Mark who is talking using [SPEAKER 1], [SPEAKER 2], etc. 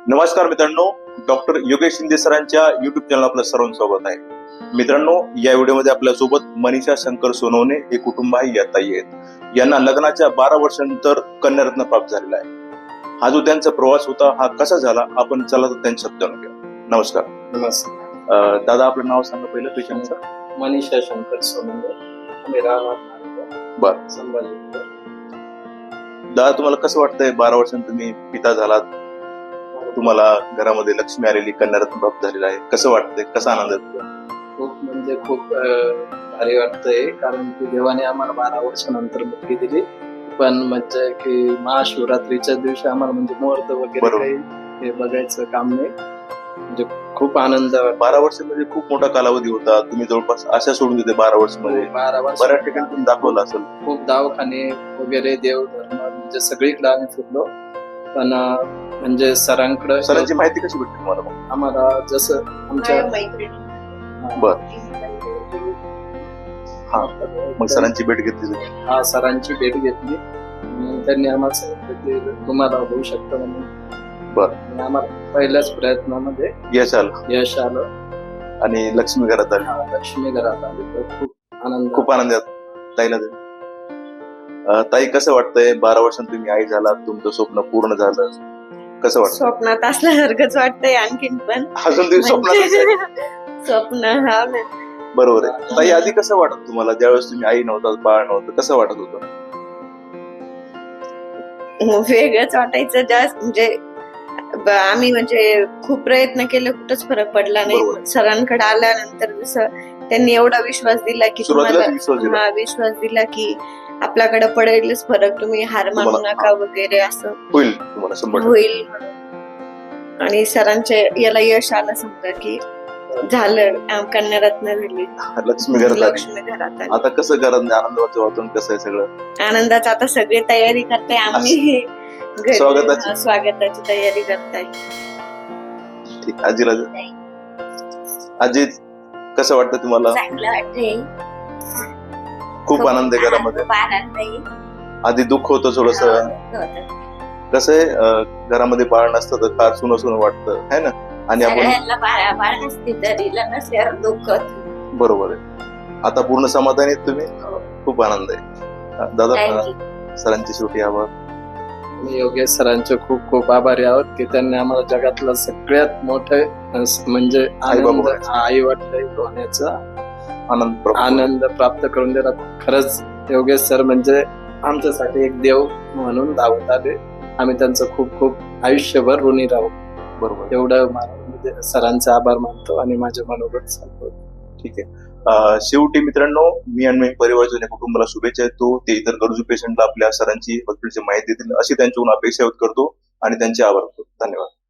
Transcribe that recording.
[SPEAKER 1] नमस्कार मित्रांनो, डॉक्टर योगेश शिंदे सरांच्या युट्यूब चॅनल आपलं सर्वांचं स्वागत आहे. मित्रांनो, या व्हिडिओमध्ये आपल्यासोबत मनीषा शंकर सोनवणे हे कुटुंब आहे, या ताई आहेत. यांना लग्नाच्या 12 वर्षांनंतर कन्यारत्न प्राप्त झालेला आहे. हा जो त्यांचा प्रवास होता हा कसा झाला आपण चला तर त्यांच्या शब्द जाणून घेऊ. नमस्कार.
[SPEAKER 2] नमस्कार.
[SPEAKER 1] दादा आपलं नाव सांगा पहिलं पेशंटचं.
[SPEAKER 2] मनीषा शंकर सोनवणे, आम्ही राहणार
[SPEAKER 1] बरं.
[SPEAKER 2] संभाजी.
[SPEAKER 1] दादा तुम्हाला कसं वाटतंय 12 वर्षांत तुम्ही पिता झालात, तुम्हाला घरामध्ये लक्ष्मी आलेली, कन्यारत्न प्राप्त झालेला आहे, कसं वाटतंय, कसा आनंद आहे?
[SPEAKER 2] खूप म्हणजे खूप भारी वाटतंय, कारण की देवाने आम्हाला 12 वर्षानंतर मुलगी दिली. पण म्हणजे की महाशिवरात्रीच्या दिवशी आम्हाला म्हणजे मुहूर्त वगैरे
[SPEAKER 1] बरोबर.
[SPEAKER 2] काही हे बघायचं काम नाही, म्हणजे खूप आनंद वाटतो.
[SPEAKER 1] 12 वर्ष म्हणजे खूप मोठा कालावधी होता. तुम्ही जवळपास आशा सोडून देते 12 वर्ष मध्ये
[SPEAKER 2] 12 वर्ष
[SPEAKER 1] बऱ्याच ठिकाणी तुम्ही दाखवलं असेल.
[SPEAKER 2] खूप दवाखाने वगैरे देवधर्म म्हणजे सगळीकडे आम्ही फिरलो, पण म्हणजे सरांकडे
[SPEAKER 1] सरांची माहिती कशी भेटली तुम्हाला मग?
[SPEAKER 2] आम्हाला जसं आमच्या
[SPEAKER 1] बर. हा, मग सरांची भेट घेतली तुम्ही?
[SPEAKER 2] हा, सरांची भेट घेतली आणि त्यांनी आम्हाला सांगितलं की तुम्हाला होऊ शकतं म्हणून.
[SPEAKER 1] बर.
[SPEAKER 2] आणि आम्हाला पहिल्याच प्रयत्नामध्ये
[SPEAKER 1] यश आलं
[SPEAKER 2] यश आलं
[SPEAKER 1] आणि लक्ष्मी घरात आली.
[SPEAKER 2] लक्ष्मी घरात आली, तर
[SPEAKER 1] खूप आनंदात ताईला दे. ताई कसं वाटतंय 12 वर्षांत तुम्ही आई झालात, तुमचं स्वप्न पूर्ण झालं, कसं वाटतं?
[SPEAKER 3] स्वप्नात असल्यासारखंच वाटतंय आणखीन पण
[SPEAKER 1] अजून तुम्ही स्वप्नात आहे.
[SPEAKER 3] स्वप्न हा ना.
[SPEAKER 1] बरोबर आहे. ताई आधी कसं वाटत तुम्हाला ज्यावेळेस तुम्ही आई नव्हतात, बाळ नव्हतं, कसं वाटत होतं?
[SPEAKER 3] वेगळंच वाटायचं जास्त, म्हणजे आम्ही म्हणजे खूप प्रयत्न केले, कुठंच फरक पडला
[SPEAKER 1] बरोबर.
[SPEAKER 3] नाही. सरांकडे आल्यानंतर जसं त्यांनी एवढा विश्वास दिला की
[SPEAKER 1] सुरुवातीला
[SPEAKER 3] तुम्हाला
[SPEAKER 1] विश्वास दिला.
[SPEAKER 3] हा विश्वास दिला की आपल्याकडे पडेलच फरक, तुम्ही हार मानू
[SPEAKER 1] तुम्हाला-
[SPEAKER 3] नका वगैरे, असं
[SPEAKER 1] होईल तुम्हाला 100%.
[SPEAKER 3] होईल म्हणून. आणि सरांचे याला यश आलं, समजा की झालं, कन्यारत्न दिली,
[SPEAKER 1] लक्ष्मी घरात आली.
[SPEAKER 3] लक्ष्मी घरात आली.
[SPEAKER 1] आता कसं घरात आनंदाचं वातावरण कसं आहे सगळं?
[SPEAKER 3] आनंदाचा आता सगळी तयारी करताय आम्ही, घरी
[SPEAKER 1] स्वागताची?
[SPEAKER 3] स्वागताची तयारी करताय.
[SPEAKER 1] ठीक. आजीला दे. आजी कसं वाटतं तुम्हाला?
[SPEAKER 4] चांगलं वाटतंय.
[SPEAKER 1] खूप आनंद आहे घरामध्ये.
[SPEAKER 4] खूप आनंद आहे.
[SPEAKER 1] आधी दुःख होतं थोडस.
[SPEAKER 4] होतं.
[SPEAKER 1] कसं आहे घरामध्ये बाळ नसतं तर फार सुनं सुनं वाटतं है ना. आणि आपण
[SPEAKER 4] सगळ्यांना बाळ नसते तरी नसल्यावर दुःख होतं.
[SPEAKER 1] बरोबर आहे. आता पूर्ण समाधानी आहेत तुम्ही?
[SPEAKER 4] हो.
[SPEAKER 1] खूप आनंद आहे. दादा
[SPEAKER 4] Thank you.
[SPEAKER 1] सरांची शेवटी आभार.
[SPEAKER 2] मी योगेश सरांचे खूप खूप आभारी आहोत की त्यांनी आम्हाला जगातलं सगळ्यात मोठं म्हणजे आनंद, आई वडील होण्याचा आनंद प्राप्त करून दिला. खरंच योगेश सर म्हणजे आमच्यासाठी एक देव म्हणून धावत आले. आम्ही त्यांचं खूप खूप आयुष्यभर ऋणी राहू.
[SPEAKER 1] बरोबर.
[SPEAKER 2] एवढं म्हणजे सरांचे आभार मानतो आणि माझे मनोगत सांगतो.
[SPEAKER 1] ठीक आहे. शेवटी मित्रांनो, मी आणि परिवारच्या या कुटुंबाला शुभेच्छा देतो. ते इतर गरजू पेशंटला आपल्या सरांची हॉस्पिटलची माहिती देतील अशी त्यांच्याकडून अपेक्षा करतो आणि त्यांचे आभार करतो. धन्यवाद.